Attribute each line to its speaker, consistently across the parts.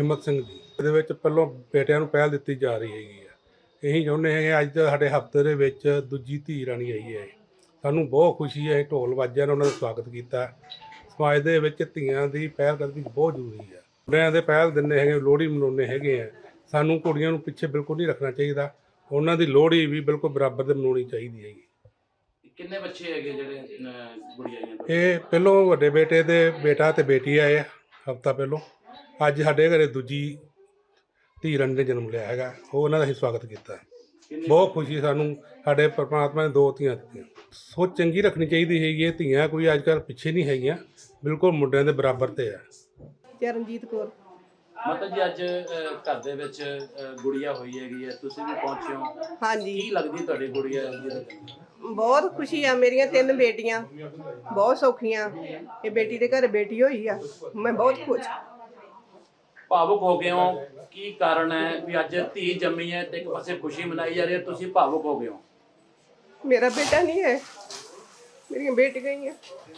Speaker 1: ਹਿੰਮਤ ਸਿੰਘ ਜੀ। ਇਹਦੇ ਵਿੱਚ ਪਹਿਲਾਂ ਬੇਟਿਆਂ ਨੂੰ ਪਹਿਲ ਦਿੱਤੀ ਜਾ ਰਹੀ ਹੈਗੀ ਆ। ਅਸੀਂ ਚਾਹੁੰਦੇ ਹੈਗੇ ਅੱਜ ਦਾ ਸਾਡੇ ਹਫ਼ਤੇ ਦੇ ਵਿੱਚ ਦੂਜੀ ਧੀ ਰਾਣੀ ਆਈ ਹੈ। ਸਾਨੂੰ ਬਹੁਤ ਖੁਸ਼ੀ ਹੈ। ਢੋਲ ਵਾਜਿਆਂ ਨਾਲ ਉਹਨਾਂ ਦਾ ਸਵਾਗਤ ਕੀਤਾ। ਸਮਾਜ ਦੇ ਵਿੱਚ ਧੀਆਂ ਦੀ ਪਹਿਲ ਕਦਮੀ ਬਹੁਤ ਜ਼ਰੂਰੀ ਹੈ। ਮੁੰਡਿਆਂ ਦੇ ਪਹਿਲ ਦਿੰਦੇ ਹੈਗੇ, ਲੋਹੜੀ ਮਨਾਉਂਦੇ ਹੈਗੇ ਆ। ਸਾਨੂੰ ਕੁੜੀਆਂ ਨੂੰ ਪਿੱਛੇ ਬਿਲਕੁਲ ਨਹੀਂ ਰੱਖਣਾ ਚਾਹੀਦਾ। ਉਹਨਾਂ ਦੀ ਲੋਹੜੀ ਵੀ ਬਿਲਕੁਲ ਬਰਾਬਰ ਦੇ ਮਨਾਉਣੀ ਚਾਹੀਦੀ ਹੈਗੀ।
Speaker 2: ਕਿੰਨੇ ਬੱਚੇ ਹੈਗੇ ਜਿਹੜੇ ਗੁੜੀਆਂ ਆਈਆਂ?
Speaker 1: ਇਹ ਪਹਿਲੋਂ ਵੱਡੇ ਬੇਟੇ ਦੇ ਬੇਟਾ ਤੇ ਬੇਟੀ ਆਏ ਆ ਹਫ਼ਤਾ ਪਹਿਲੋਂ। ਅੱਜ ਸਾਡੇ ਘਰੇ ਦੂਜੀ ਧੀ ਰਾਣੀ ਨੇ ਜਨਮ ਲਿਆ ਹੈਗਾ। ਉਹਨਾਂ ਦਾ ਅਸੀਂ ਸਵਾਗਤ ਕੀਤਾ। ਬਹੁਤ ਖੁਸ਼ੀ ਸਾਨੂੰ, ਸਾਡੇ ਪਰਮਾਤਮਾ ਨੇ 2 ਧੀਆਂ ਦਿੱਤੀਆਂ। ਸੋਚ ਚੰਗੀ ਰੱਖਣੀ ਚਾਹੀਦੀ ਹੈਗੀ ਹੈ। ਧੀਆਂ ਕੋਈ ਅੱਜ ਕੱਲ੍ਹ ਪਿੱਛੇ ਨਹੀਂ ਹੈਗੀਆਂ, ਬਿਲਕੁਲ ਮੁੰਡਿਆਂ ਦੇ ਬਰਾਬਰ ਤੇ ਆ।
Speaker 3: ਚਰਨਜੀਤ ਕੌਰ।
Speaker 2: ਮਤਲਬ ਜੀ ਅੱਜ ਘਰ ਦੇ ਵਿੱਚ ਗੁੜੀਆ ਹੋਈ ਹੈਗੀ ਹੈ, ਤੁਸੀਂ ਵੀ ਪਹੁੰਚੇ ਹੋ।
Speaker 3: ਹਾਂਜੀ,
Speaker 2: ਕੀ ਲੱਗਦੀ ਤੁਹਾਡੀ ਗੁੜੀਆ?
Speaker 3: ਬਹੁਤ ਖੁਸ਼ੀ ਆ। ਮੇਰੀਆਂ 3 ਬੇਟੀਆਂ ਬਹੁਤ ਸੌਖੀਆਂ। ਇਹ ਬੇਟੀ ਦੇ ਘਰ ਬੇਟੀ ਹੋਈ ਆ। ਮੈਂ ਬਹੁਤ ਖੁਸ਼।
Speaker 2: ਭਾਵੁਕ ਹੋ ਗਏ ਹੋ, ਕੀ ਕਾਰਨ ਹੈ ਵੀ ਅੱਜ ਧੀ ਜੰਮੀ ਹੈ ਤੇ ਇੱਕ ਪਾਸੇ ਖੁਸ਼ੀ ਮਨਾਈ ਜਾ ਰਹੀ ਹੈ, ਤੁਸੀਂ ਭਾਵੁਕ ਹੋ ਗਏ ਹੋ?
Speaker 3: ਮੇਰਾ ਬੇਟਾ ਨਹੀਂ ਹੈ, ਮੇਰੀਆਂ ਬੇਟੀਆਂ ਹੀ ਆ।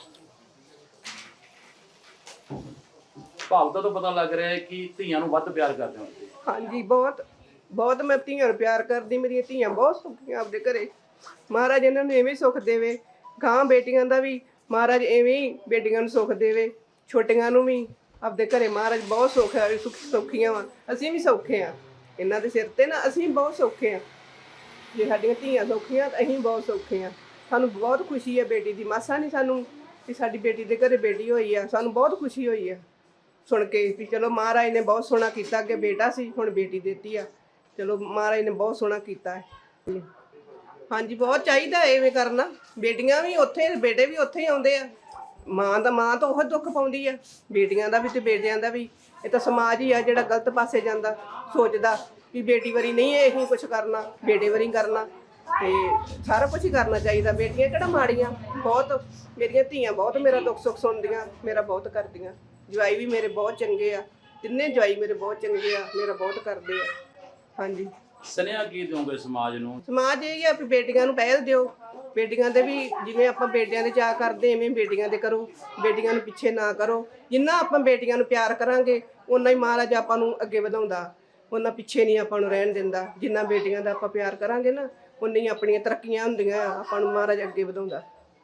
Speaker 2: ਭਾਵ ਤੋਂ ਪਤਾ ਲੱਗ ਰਿਹਾ ਹੈ ਕਿ ਧੀਆਂ ਨੂੰ ਵੱਧ ਪਿਆਰ ਕਰਦੇ ਹੋ।
Speaker 3: ਹਾਂਜੀ, ਬਹੁਤ ਬਹੁਤ ਮੈਂ ਧੀਆਂ ਨੂੰ ਪਿਆਰ ਕਰਦੀ। ਮੇਰੀਆਂ ਧੀਆਂ ਬਹੁਤ ਸੌਖੀਆਂ ਆਪਦੇ ਘਰੇ। ਮਹਾਰਾਜ ਇਹਨਾਂ ਨੂੰ ਐਵੇਂ ਸੁੱਖ ਦੇਵੇ। ਗਾਂ ਬੇਟੀਆਂ ਦਾ ਵੀ ਮਹਾਰਾਜ ਐਵੇਂ ਹੀ ਬੇਟੀਆਂ ਨੂੰ ਸੁੱਖ ਦੇਵੇ। ਛੋਟੀਆਂ ਨੂੰ ਵੀ ਆਪਦੇ ਘਰੇ ਮਹਾਰਾਜ ਬਹੁਤ ਸੁੱਖ ਹੈ। ਸੌਖੀਆਂ ਵਾ, ਅਸੀਂ ਵੀ ਸੌਖੇ ਆ ਇਹਨਾਂ ਦੇ ਸਿਰ ਤੇ ਨਾ। ਅਸੀਂ ਬਹੁਤ ਸੌਖੇ ਆ। ਜੇ ਸਾਡੀਆਂ ਧੀਆਂ ਸੌਖੀਆਂ ਤਾਂ ਅਸੀਂ ਬਹੁਤ ਸੌਖੇ ਆ। ਸਾਨੂੰ ਬਹੁਤ ਖੁਸ਼ੀ ਹੈ ਬੇਟੀ ਦੀ। ਮਾਸਾ ਨਹੀਂ ਸਾਨੂੰ ਕਿ ਸਾਡੀ ਬੇਟੀ ਦੇ ਘਰੇ ਬੇਟੀ ਹੋਈ ਆ। ਸਾਨੂੰ ਬਹੁਤ ਖੁਸ਼ੀ ਹੋਈ ਆ ਸੁਣ ਕੇ ਵੀ ਚਲੋ ਮਹਾਰਾਜ ਨੇ ਬਹੁਤ ਸੋਹਣਾ ਕੀਤਾ। ਅੱਗੇ ਬੇਟਾ ਸੀ, ਹੁਣ ਬੇਟੀ ਦਿੱਤੀ ਆ। ਚਲੋ ਮਹਾਰਾਜ ਨੇ ਬਹੁਤ ਸੋਹਣਾ ਕੀਤਾ ਹੈ। ਹਾਂਜੀ, ਬਹੁਤ ਚਾਹੀਦਾ ਐਵੇਂ ਕਰਨਾ। ਬੇਟੀਆਂ ਵੀ ਉੱਥੇ, ਬੇਟੇ ਵੀ ਉੱਥੇ ਹੀ ਆਉਂਦੇ ਆ। ਮਾਂ ਤਾਂ ਉਹ ਦੁੱਖ ਪਾਉਂਦੀ ਆ, ਬੇਟੀਆਂ ਦਾ ਵੀ ਤੇ ਬੇਟਿਆਂ ਦਾ ਵੀ। ਇਹ ਤਾਂ ਸਮਾਜ ਹੀ ਆ ਜਿਹੜਾ ਗਲਤ ਪਾਸੇ ਜਾਂਦਾ, ਸੋਚਦਾ ਵੀ ਬੇਟੀ ਵਾਰੀ ਨਹੀਂ ਇਹ ਕੁਛ ਕਰਨਾ, ਬੇਟੇ ਵਾਰੀ ਕਰਨਾ। ਤੇ ਸਾਰਾ ਕੁਝ ਹੀ ਕਰਨਾ ਚਾਹੀਦਾ। ਬੇਟੀਆਂ ਕਿਹੜਾ ਮਾੜੀਆਂ, ਬਹੁਤ ਮੇਰੀਆਂ ਧੀਆਂ ਬਹੁਤ ਮੇਰਾ ਦੁੱਖ ਸੁੱਖ ਸੁਣਦੀਆਂ, ਮੇਰਾ ਬਹੁਤ ਕਰਦੀਆਂ। ਜਵਾਈ ਵੀ ਮੇਰੇ ਬਹੁਤ ਚੰਗੇ ਆ। 3 ਜਵਾਈ ਮੇਰੇ ਬਹੁਤ ਚੰਗੇ ਆ, ਮੇਰਾ ਬਹੁਤ ਕਰਦੇ ਆ। ਹਾਂਜੀ,
Speaker 2: ਸੁਨੇਹਾ ਕੀ ਦਿਓਗੇ ਸਮਾਜ ਨੂੰ?
Speaker 3: ਸਮਾਜ ਇਹ ਆ ਵੀ ਬੇਟੀਆਂ ਨੂੰ ਪਹਿਲ ਦਿਓ। ਬੇਟੀਆਂ ਦੇ ਵੀ ਜਿਵੇਂ ਆਪਾਂ ਬੇਟਿਆਂ ਦੇ ਚਾਅ ਕਰਦੇ ਐਵੇਂ ਬੇਟੀਆਂ ਦੇ ਕਰੋ। ਬੇਟੀਆਂ ਨੂੰ ਪਿੱਛੇ ਨਾ ਕਰੋ। ਜਿੰਨਾ ਆਪਾਂ ਬੇਟੀਆਂ ਨੂੰ ਪਿਆਰ ਕਰਾਂਗੇ ਓਨਾ ਹੀ ਮਹਾਰਾਜ ਆਪਾਂ ਨੂੰ ਅੱਗੇ ਵਧਾਉਂਦਾ, ਉਹਨਾਂ ਪਿੱਛੇ ਨਹੀਂ ਆਪਾਂ ਨੂੰ ਰਹਿਣ ਦਿੰਦਾ। ਜਿੰਨਾ ਬੇਟੀਆਂ ਦਾ ਆਪਾਂ ਪਿਆਰ ਕਰਾਂਗੇ ਨਾ, ਉਨੀ ਹੀ ਆਪਣੀਆਂ ਤਰੱਕੀਆਂ ਹੁੰਦੀਆਂ। ਆਪਾਂ ਨੂੰ ਮਹਾਰਾਜ ਅੱਗੇ ਵਧਾਉਂਦਾ।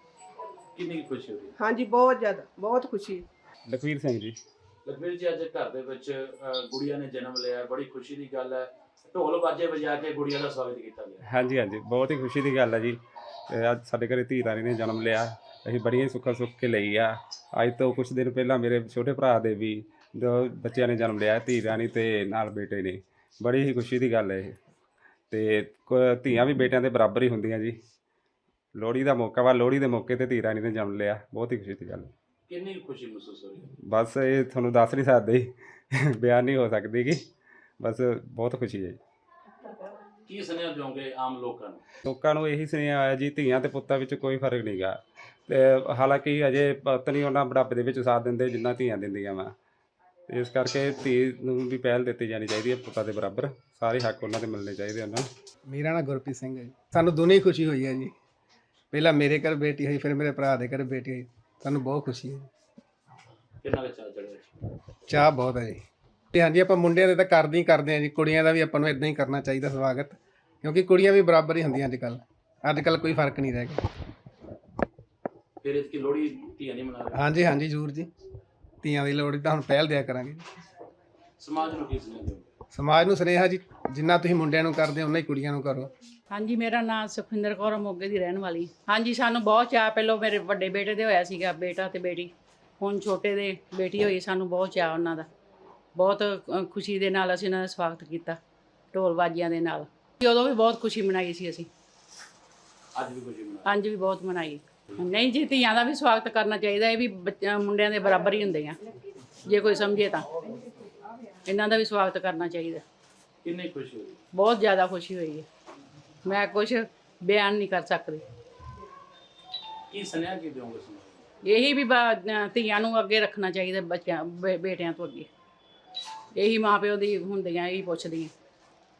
Speaker 2: ਕਿੰਨੀ ਖੁਸ਼ੀ ਹੋਈ?
Speaker 3: ਹਾਂਜੀ, ਬਹੁਤ ਜ਼ਿਆਦਾ, ਬਹੁਤ ਖੁਸ਼ੀ।
Speaker 4: ਲਖਵੀਰ ਸਿੰਘ ਜੀ।
Speaker 2: ਲਖਵੀਰ ਜੀ, ਅੱਜ ਘਰ ਦੇ ਵਿੱਚ ਗੁੜੀਆ ਨੇ ਜਨਮ ਲਿਆ, ਬੜੀ ਖੁਸ਼ੀ ਦੀ ਗੱਲ ਹੈ। ਢੋਲ ਬਾਜੇ ਵਜਾ ਕੇ ਗੁੜੀਆ ਦਾ ਸਵਾਗਤ ਕੀਤਾ ਗਿਆ।
Speaker 4: ਹਾਂਜੀ ਹਾਂਜੀ, ਬਹੁਤ ਹੀ ਖੁਸ਼ੀ ਦੀ ਗੱਲ ਹੈ ਜੀ। ਅੱਜ ਸਾਡੇ ਘਰੇ ਧੀ ਰਾਣੀ ਨੇ ਜਨਮ ਲਿਆ। ਅਸੀਂ ਬੜੀਆਂ ਸੁੱਖਾਂ ਸੁੱਖ ਕੇ ਲਈ ਆ। ਅੱਜ ਤੋਂ ਕੁਛ ਦਿਨ ਪਹਿਲਾਂ ਮੇਰੇ ਛੋਟੇ ਭਰਾ ਦੇ ਵੀ 2 ਬੱਚਿਆਂ ਨੇ ਜਨਮ ਲਿਆ, ਧੀ ਰਾਣੀ ਤੇ ਨਾਲ ਬੇਟੇ ਨੇ। ਬੜੀ ਹੀ ਖੁਸ਼ੀ ਦੀ ਗੱਲ ਹੈ ਇਹ। ਤੇ ਧੀਆਂ ਵੀ ਬੇਟਿਆਂ ਦੇ ਬਰਾਬਰ ਹੀ ਹੁੰਦੀਆਂ ਜੀ। ਲੋਹੜੀ ਦਾ ਮੌਕਾ ਵਾ, ਲੋਹੜੀ ਦੇ ਮੌਕੇ ਤੇ ਧੀ ਰਾਣੀ ਨੇ ਜਨਮ ਲਿਆ। ਬਹੁਤ ਹੀ ਖੁਸ਼ੀ ਦੀ ਗੱਲ।
Speaker 2: ਕਿੰਨੀ ਖੁਸ਼ੀ ਮਹਿਸੂਸ ਹੋਈ?
Speaker 4: ਬਸ ਇਹ ਤੁਹਾਨੂੰ ਦੱਸ ਨਹੀਂ ਸਕਦੇ, ਬਿਆਨ ਨਹੀਂ ਹੋ ਸਕਦੀ ਕਿ ਬਸ ਬਹੁਤ ਖੁਸ਼ੀ ਹੈ।
Speaker 2: ਕੀ ਸੁਨੇਹਾ ਦਿਓਗੇ ਆਮ ਲੋਕਾਂ ਨੂੰ?
Speaker 4: ਲੋਕਾਂ ਨੂੰ ਇਹੀ ਸੁਨੇਹਾ ਆਇਆ ਜੀ, ਧੀਆਂ ਤੇ ਪੁੱਤਾਂ ਵਿੱਚ ਕੋਈ ਫਰਕ ਨਹੀਂ ਗਾ। ਤੇ ਹਾਲਾਂਕਿ ਅਜੇ ਪੁੱਤ ਨਹੀਂ ਉਹਨਾਂ ਬੁਢਾਪੇ ਦੇ ਵਿੱਚ ਸਾਥ ਦਿੰਦੇ ਜਿੰਨਾ ਧੀਆਂ ਦਿੰਦੀਆਂ ਵਾ। ਇਸ ਕਰਕੇ ਧੀ ਨੂੰ ਵੀ ਪਹਿਲ ਦਿੱਤੀ ਜਾਣੀ ਚਾਹੀਦੀ ਹੈ ਪੁੱਤਾਂ ਦੇ ਬਰਾਬਰ। ਸਾਰੇ ਹੱਕ ਉਹਨਾਂ ਦੇ ਮਿਲਣੇ ਚਾਹੀਦੇ ਉਹਨਾਂ ਨੂੰ।
Speaker 5: ਮੇਰਾ ਨਾਮ ਗੁਰਪ੍ਰੀਤ ਸਿੰਘ ਹੈ ਜੀ। ਸਾਨੂੰ ਦੋਨੇ ਹੀ ਖੁਸ਼ੀ ਹੋਈ ਹੈ ਜੀ। ਪਹਿਲਾਂ ਮੇਰੇ ਘਰ ਬੇਟੀ ਹੋਈ, ਫਿਰ ਮੇਰੇ ਭਰਾ ਦੇ ਘਰ ਬੇਟੀ ਹੋਈ। ਸਾਨੂੰ ਬਹੁਤ ਖੁਸ਼ੀ ਹੈ।
Speaker 2: ਕਿੰਨਾ ਕੁ ਚਾਅ ਚੜਿਆ?
Speaker 5: ਚਾਹ ਬਹੁਤ ਹੈ ਜੀ। ਤੇ ਹਾਂਜੀ, ਆਪਾਂ ਮੁੰਡਿਆਂ ਦੇ ਤਾਂ ਕਰਦੇ ਹੀ ਕਰਦੇ ਹਾਂ ਜੀ। ਕੁੜੀਆਂ ਦਾ ਵੀ ਆਪਾਂ ਨੂੰ ਇਦਾਂ ਹੀ ਕਰਨਾ ਚਾਹੀਦਾ ਸਵਾਗਤ, ਕਿਉਂਕਿ ਕੁੜੀਆਂ ਵੀ ਬਰਾਬਰ ਹੀ ਹੁੰਦੀਆਂ ਅੱਜ ਕੱਲ੍ਹ ਕੋਈ ਫਰਕ ਨਹੀਂ ਰਹਿ ਗਿਆ।
Speaker 2: ਫਿਰ ਇਸ ਕੀ ਲੋਹੜੀ ਧੀਆਂ ਨਹੀਂ ਮਨਾ ਰਹੇ?
Speaker 5: ਹਾਂਜੀ ਹਾਂਜੀ, ਜ਼ਰੂਰ ਜੀ। ਧੀਆਂ ਦੀ ਲੋਹੜੀ ਤਾਂ ਹੁਣ ਪਹਿਲ ਦਿਆ ਕਰਾਂਗੇ।
Speaker 2: ਸਮਾਜ ਨੂੰ ਕੀ ਸੁਨੇਹਾ ਦਿਓਗੇ?
Speaker 5: ਸਮਾਜ ਨੂੰ ਸੁਨੇਹਾ ਜੀ, ਜਿੰਨਾ ਤੁਸੀਂ ਮੁੰਡਿਆਂ ਨੂੰ ਕਰਦੇ ਹੋ ਉਨਾ ਹੀ ਕੁੜੀਆਂ ਨੂੰ ਕਰੋ।
Speaker 6: ਹਾਂਜੀ, ਮੇਰਾ ਨਾਮ ਸੁਖਵਿੰਦਰ ਕੌਰ, ਮੋਗੇ ਦੀ ਰਹਿਣ ਵਾਲੀ। ਹਾਂਜੀ, ਸਾਨੂੰ ਬਹੁਤ ਚਾਅ। ਪਹਿਲਾਂ ਮੇਰੇ ਵੱਡੇ ਬੇਟੇ ਦੇ ਹੋਇਆ ਸੀਗਾ, ਬੇਟਾ ਤੇ ਬੇਟੀ। ਹੁਣ ਛੋਟੇ ਦੇ ਬੇਟੀ ਹੋਈ। ਸਾਨੂੰ ਬਹੁਤ ਚਾਅ ਉਹਨਾਂ ਦਾ। ਬਹੁਤ ਖੁਸ਼ੀ ਦੇ ਨਾਲ ਅਸੀਂ ਉਹਨਾਂ ਦਾ ਸਵਾਗਤ ਕੀਤਾ, ਢੋਲ ਬਾਜਿਆਂ ਦੇ ਨਾਲ। ਉਦੋਂ ਵੀ ਬਹੁਤ ਖੁਸ਼ੀ ਮਨਾਈ ਸੀ ਅਸੀਂ।
Speaker 2: ਅੱਜ ਵੀ ਖੁਸ਼ੀ ਮਨਾ?
Speaker 6: ਅੱਜ ਵੀ ਬਹੁਤ ਮਨਾਈ। ਨਹੀਂ ਜੀ, ਧੀਆਂ ਦਾ ਵੀ ਸਵਾਗਤ ਕਰਨਾ ਚਾਹੀਦਾ। ਇਹ ਵੀ ਮੁੰਡਿਆਂ ਦੇ ਬਰਾਬਰ ਹੀ ਹੁੰਦੇ ਆ, ਜੇ ਕੋਈ ਸਮਝੇ ਤਾਂ। ਇਹਨਾਂ ਦਾ ਵੀ ਸਵਾਗਤ ਕਰਨਾ ਚਾਹੀਦਾ।
Speaker 2: ਕਿੰਨੀ ਖੁਸ਼ੀ ਹੋਈ?
Speaker 6: ਬਹੁਤ ਜ਼ਿਆਦਾ ਖੁਸ਼ੀ ਹੋਈ ਹੈ। ਮੈਂ ਕੁਛ ਬਿਆਨ ਨਹੀਂ ਕਰ ਸਕਦੀ।
Speaker 2: ਕੀ ਸੁਨੇਹਾ ਕੀ ਦਿਓਗੇ ਸਮਾਜ ਨੂੰ?
Speaker 6: ਇਹੀ ਵੀ ਧੀਆਂ ਨੂੰ ਅੱਗੇ ਰੱਖਣਾ ਚਾਹੀਦਾ, ਬੱਚਿਆਂ ਬੇਟਿਆਂ ਤੋਂ ਅੱਗੇ। ਇਹੀ ਮਾਂ ਪਿਓ ਦੀ ਹੁੰਦੀਆਂ, ਇਹੀ ਪੁੱਛਦੀਆਂ।